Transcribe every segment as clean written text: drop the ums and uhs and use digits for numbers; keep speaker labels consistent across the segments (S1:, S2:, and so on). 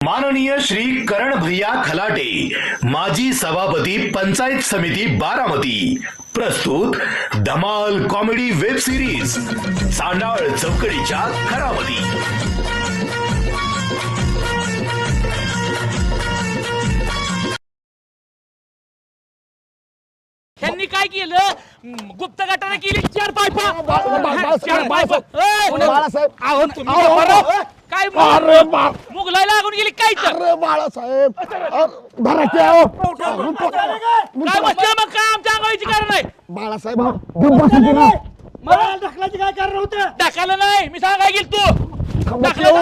S1: माननीय श्री करण भैया खलाटे, माजी सभापती पंचायत समिती बारामती, प्रस्तुत धमाल कॉमेडी वेब सिरीज सांडाळ चौकडीच्या खरामती.
S2: त्यांनी काय केलं? गुप्त गटाने केली 4 पायपा. 4 पायपा. काय मुगलाई लागून गेली काय तर?
S3: बाळासाहेब
S2: काय बसलं मग काय आमच्या अंगाईची कारण आहे?
S3: बाळासाहेब
S2: मला ढकलायची काय कारण होतं? ढकललं नाही, मी सांगाय गेल तू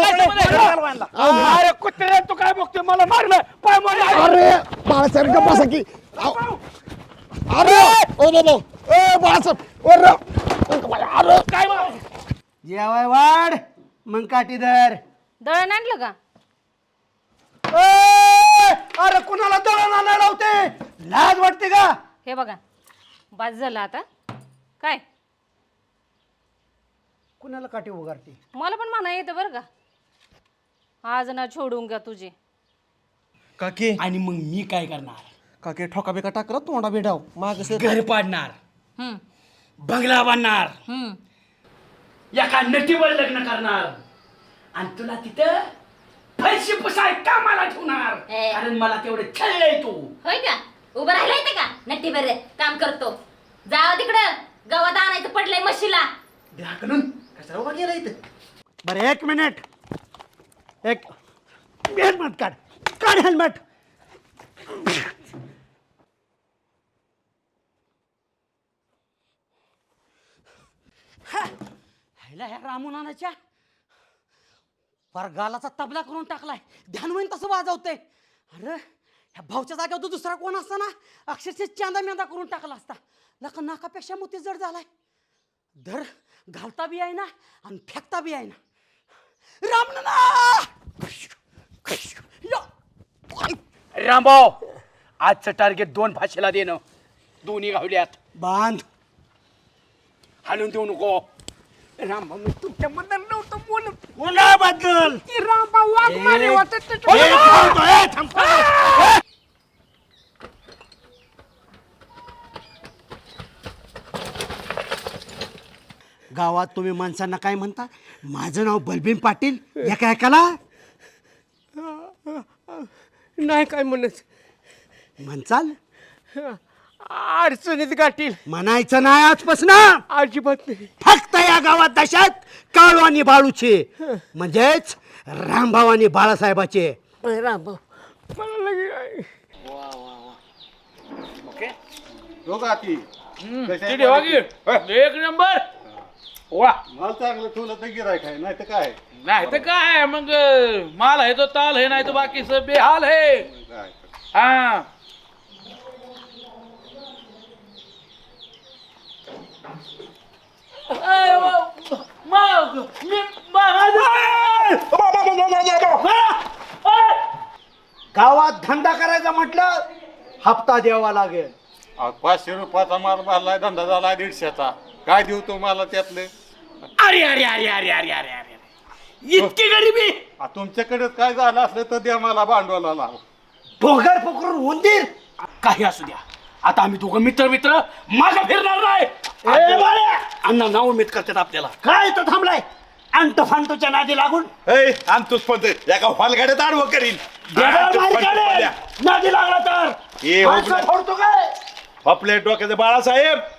S2: अरे कुत्रे तू काय बघतोय? मला मारलं पाय मारलं.
S3: अरे बाळासाहेब का बसा की अरे ओ बाबा ए बाळासाहेब अरे
S2: काय
S4: जेवाय वाढ मग काठीधर.
S5: दळण आणलं का?
S4: अरे कुणाला दळण आणायला होते? लाज वाटते का?
S5: हे बघा, बाज झालं आता. काय
S4: कुणाला काठी उगारते?
S5: मला पण म्हणा येतं बरं का, आज ना छोडूंगा तुझे.
S6: काकी
S4: आणि मग मी काय करणार?
S6: काकी ठोका बिका टाकला तोंडा बेडाव माग
S4: घर पाडणार,
S5: हम्म
S4: बंगला बांधणार,
S5: हम्म
S4: एका नटीवर लग्न करणार आणि तुला तिथं पैसे पुसाय कामाला ठेवणार.
S7: ए.
S4: कारण मला तेवढे छळलंय तू.
S7: होय का? उभं राहिलं येते का? नट्टी बरे काम करतो. जावा तिकडं, गवत आणायचं पडलंय म्हशीला.
S4: करून कशाला उभा गेला इथं? बरं एक मिनिट हेल्मेट काढ हेल्मेट. ह्या रामूनानाच्या गालाचा तबला करून टाकलाय. ध्यान होईन तसं वाजवतंय. अरे ह्या भाऊच्या जागेवर तो दुसरा कोण असता ना, अक्षरशः चांदा मेंदा करून टाकला असता. नाकापेक्षा मोती जड झालाय. धर घालता बी आहे ना आणि फेकता बी आहे ना. रामभाऊ आजचं टार्गेट 2 भाषेला देणं. दोन्ही गावल्यात बांध. हालून देऊ नको. रामभाऊ मी तुमच्याबद्दल नव्हतं बोलत. कोणाबद्दल? रामभाऊ वाघमारे वाटत. गावात तुम्ही माणसांना काय म्हणता? माझं नाव बलबीन पाटील. एका ऐकाला
S6: नाही काय म्हणत.
S4: म्हणचाल
S6: अडचणीत गाठील.
S4: म्हणायचं नाही आजपासून.
S6: अजिबात नाही.
S4: फक्त या गावात दशात काळू आणि बाळूचे, म्हणजेच रामभाऊ आणि बाळासाहेबाचे.
S6: रामभाऊ मला लगे
S2: एक नंबर. वा
S8: माल चांगलं ठेवलं तर गिरायक आहे, नाही तर काय
S2: नाही तर काय मग, माल आहे तो ताल है, नाही तो बाकी सब बेहाल है.
S8: काय.
S2: हा
S4: गावात धंदा करायचा म्हटलं हप्ता द्यावा लागेल.
S8: 500 रुपयाचा माल भरलाय, धंदा झाला 150चा. काय देऊ तुम्हाला त्यातले?
S4: अरे अरे अरे अरे अरे अरे अरे इतकी गरिबी.
S8: तुमच्याकडे काय झालं असलं तर द्या मला भांडवलाला.
S4: भोगर पकडून उंदीर काही असू द्या. आता आम्ही दोघं मित्र मागं फिरणार नाही. अण्णा नाव उमेद करतात आपल्याला. काय तर थांबलाय अंत फांतोच्या नादी लागून.
S8: आणतोच पण एका हॉलगाड्यात आडवं करीन.
S4: नादी लागला तर
S8: फोडतो काय आपल्या डोक्याचे बाळासाहेब.